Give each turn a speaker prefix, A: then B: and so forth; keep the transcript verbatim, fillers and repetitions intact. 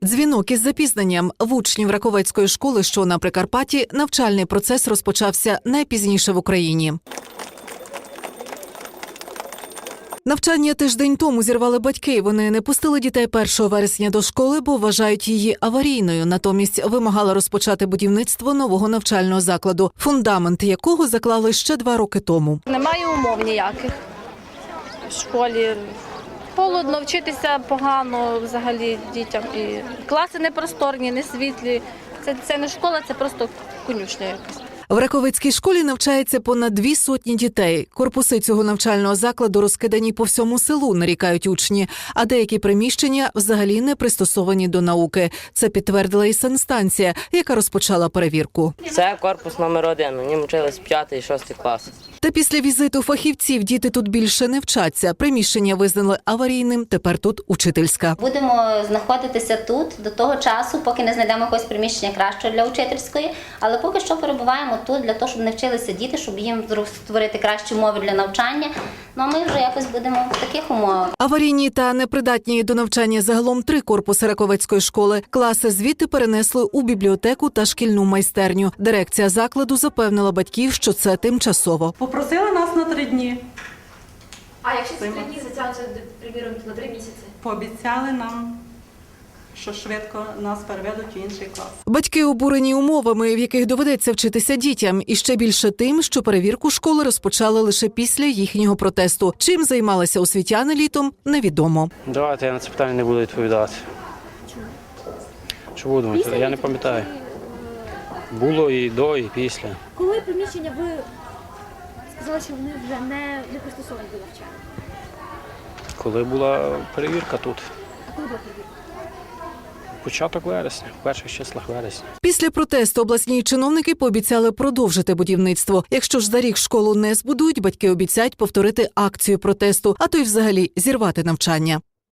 A: Дзвінок із запізненням. В учнів Раковецької школи, що на Прикарпатті, навчальний процес розпочався найпізніше в Україні. Навчання тиждень тому зірвали батьки. Вони не пустили дітей першого вересня до школи, бо вважають її аварійною. Натомість вимагали розпочати будівництво нового навчального закладу, фундамент якого заклали ще два роки тому.
B: Немає умов ніяких в школі. Холодно, вчитися погано взагалі дітям. І класи не просторні, не світлі. Це, це не школа, це просто конюшня якась.
A: В Раковецькій школі навчається понад дві сотні дітей. Корпуси цього навчального закладу розкидані по всьому селу, нарікають учні. А деякі приміщення взагалі не пристосовані до науки. Це підтвердила і санстанція, яка розпочала перевірку.
C: Це корпус номер один. У ньому вчились п'ятий і шостий клас.
A: Та після візиту фахівців діти тут більше не вчаться. Приміщення визнали аварійним, тепер тут учительська.
D: Будемо знаходитися тут до того часу, поки не знайдемо якогось приміщення кращого для учительської, але поки що перебуваємо тут для того, щоб не вчилися діти, щоб їм створити кращі умови для навчання. Ну а ми вже якось будемо в таких умовах.
A: Аварійні та непридатні до навчання загалом три корпуси Раковецької школи. Класи звідти перенесли у бібліотеку та шкільну майстерню. Дирекція закладу запевнила батьків, що це тимчасово.
E: Попросили нас на три дні.
F: А якщо ці три дні затягнуться, приміром, на три місяці?
E: Пообіцяли нам, що швидко нас переведуть в інший клас.
A: Батьки обурені умовами, в яких доведеться вчитися дітям. І ще більше тим, що перевірку школи розпочали лише після їхнього протесту. Чим займалися освітяни літом, невідомо.
G: Давайте я на це питання не буду відповідати.
F: Чому?
G: Що буду?
F: Після
G: Я не пам'ятаю. Було і до, і після.
F: Коли приміщення ви сказали, що вони вже не, не пристосовані до навчання?
G: Коли була перевірка тут.
F: А коли була перевірка?
G: Початок вересня, в перших числах вересня.
A: Після протесту обласні чиновники пообіцяли продовжити будівництво. Якщо ж за рік школу не збудують, батьки обіцяють повторити акцію протесту, а то й взагалі зірвати навчання.